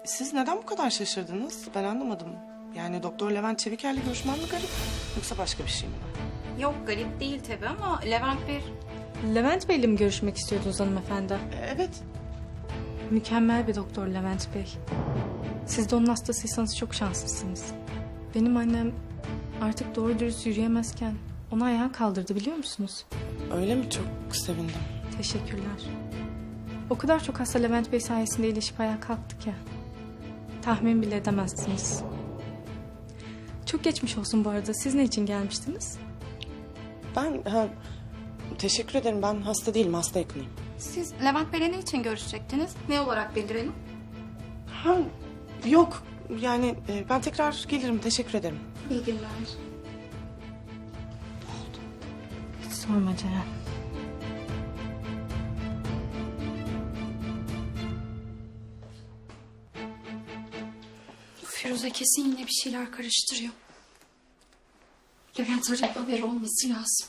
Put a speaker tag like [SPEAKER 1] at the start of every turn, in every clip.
[SPEAKER 1] Siz neden bu kadar şaşırdınız? Ben anlamadım. Yani Doktor Levent Çeviker'le görüşmem mi garip? Yoksa başka bir şey mi var?
[SPEAKER 2] Yok garip değil tabii ama Levent Bey...
[SPEAKER 3] Levent Bey'le mi görüşmek istiyordunuz hanımefendi?
[SPEAKER 1] Evet.
[SPEAKER 3] Mükemmel bir doktor Levent Bey. Siz de onun hastasıysanız çok şanslısınız. Benim annem artık doğru dürüst yürüyemezken onu ayağa kaldırdı biliyor musunuz?
[SPEAKER 1] Öyle mi? Çok sevindim.
[SPEAKER 3] Teşekkürler. O kadar çok hasta Levent Bey sayesinde iyileşip ayağa kalktı ki. Tahmin bile edemezsiniz. Çok geçmiş olsun bu arada. Siz ne için gelmiştiniz?
[SPEAKER 1] Teşekkür ederim. Ben hasta değilim. Hasta yakınıyım.
[SPEAKER 2] Siz Levent Bey'le ne için görüşecektiniz? Ne olarak bildirelim?
[SPEAKER 1] Yok. Yani ben tekrar gelirim. Teşekkür ederim.
[SPEAKER 2] İyi günler.
[SPEAKER 3] Hiç sorma Ceren.
[SPEAKER 2] Firuze kesin yine bir şeyler karıştırıyor. Levent arayıp haberi olması lazım.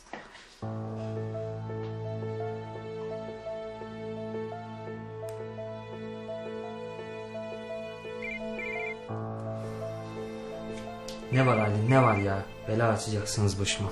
[SPEAKER 4] Ne var Ali, ne var ya? Bela açacaksınız başıma.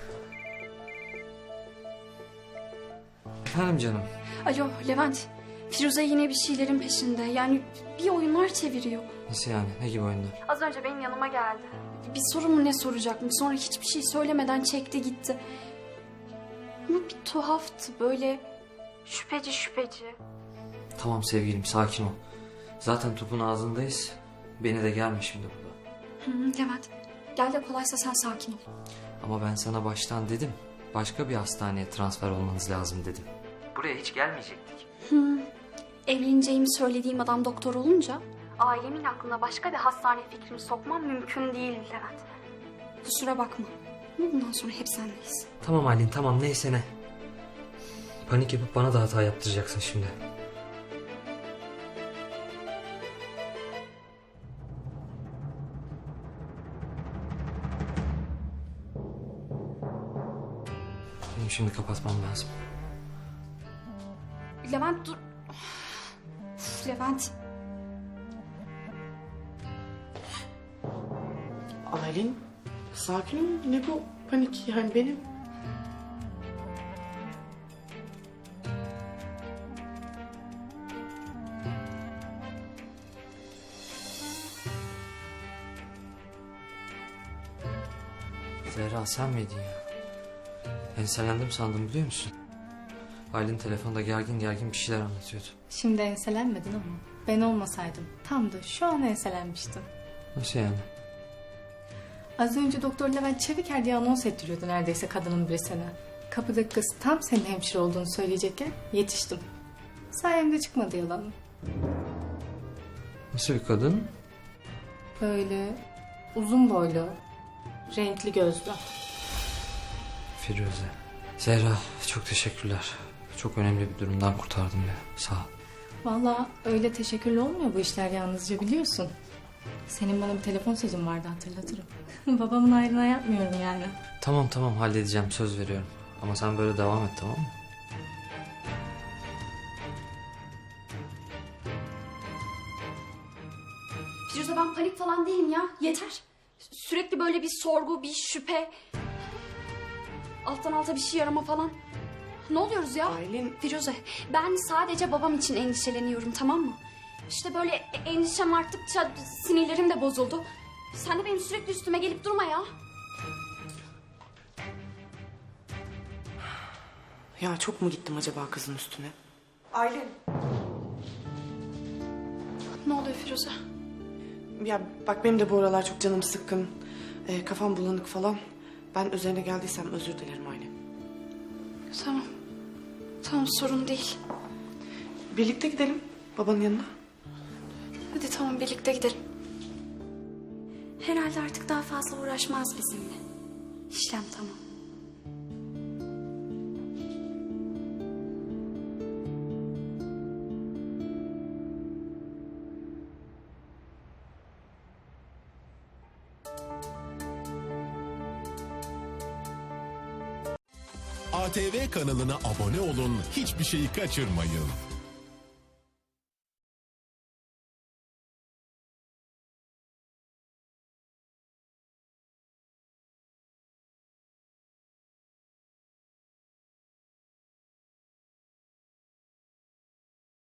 [SPEAKER 4] Efendim canım.
[SPEAKER 2] Alo Levent, Firuze yine bir şeylerin peşinde. Yani bir oyunlar çeviriyor.
[SPEAKER 4] Nasıl yani? Ne gibi oyunlar?
[SPEAKER 2] Az önce benim yanıma geldi. Bir soru mu ne soracakmış. Sonra hiçbir şey söylemeden çekti gitti. Ama bir tuhaftı böyle şüpheci.
[SPEAKER 4] Tamam sevgilim, sakin ol. Zaten topun ağzındayız. Beni de gelme şimdi burada.
[SPEAKER 2] Levent, gel de kolaysa sen sakin ol.
[SPEAKER 4] Ama ben sana baştan dedim. Başka bir hastaneye transfer olmanız lazım dedim. Buraya hiç gelmeyecektik.
[SPEAKER 2] Evleneceğimi söylediğim adam doktor olunca... ailemin aklına başka bir hastane fikrimi sokmam mümkün değil Levent. Kusura bakma. Ama bundan sonra hep sendeyiz.
[SPEAKER 4] Tamam Aylin, tamam neyse ne. Panik yapıp bana da hata yaptıracaksın şimdi. Benim şimdi kapatmam lazım.
[SPEAKER 2] Levent dur. Uf, Levent.
[SPEAKER 1] Aylin, sakin ol. Ne bu panik yani benim?
[SPEAKER 4] Zehra sen miydin ya? Enselendim sandım biliyor musun? Aylin telefonda gergin bir şeyler anlatıyordu.
[SPEAKER 3] Şimdi enselenmedin ama ben olmasaydım tam da şu an enselenmiştim.
[SPEAKER 4] Nasıl yani?
[SPEAKER 3] Az önce Doktor Levent Çeviker diye anons ettiriyordu neredeyse kadının birisine. Kapıdaki kız tam senin hemşire olduğunu söyleyecekken yetiştim. Sayemde çıkmadı yalanım.
[SPEAKER 4] Nasıl bir kadın?
[SPEAKER 3] Böyle uzun boylu, renkli gözlü.
[SPEAKER 4] Firuze. Zehra çok teşekkürler. Çok önemli bir durumdan kurtardın beni. Sağ ol.
[SPEAKER 3] Vallahi öyle teşekkürlü olmuyor bu işler yalnızca biliyorsun. Senin bana bir telefon sözün vardı hatırlatırım. Babamın ayrına yapmıyorum yani.
[SPEAKER 4] Tamam halledeceğim söz veriyorum. Ama sen böyle devam et tamam mı?
[SPEAKER 2] Firuze ben panik falan değilim ya. Yeter. Sürekli böyle bir sorgu, bir şüphe. Alttan alta bir şey arama falan. Ne oluyoruz ya?
[SPEAKER 1] Aylin.
[SPEAKER 2] Firuze ben sadece babam için endişeleniyorum tamam mı? İşte böyle endişem arttıkça sinirlerim de bozuldu. Sen de benim sürekli üstüme gelip durma ya.
[SPEAKER 1] Ya çok mu gittim acaba kızın üstüne? Aylin.
[SPEAKER 2] Ne oluyor Firuze?
[SPEAKER 1] Ya bak benim de bu aralar çok canım sıkkın. Kafam bulanık falan. Ben üzerine geldiysem özür dilerim Aylin.
[SPEAKER 2] Tamam sorun değil.
[SPEAKER 1] Birlikte gidelim babanın yanına.
[SPEAKER 2] Hadi tamam birlikte gidelim. Herhalde artık daha fazla uğraşmaz bizimle. İşlem tamam.
[SPEAKER 5] ATV kanalına abone olun, hiçbir şeyi kaçırmayın.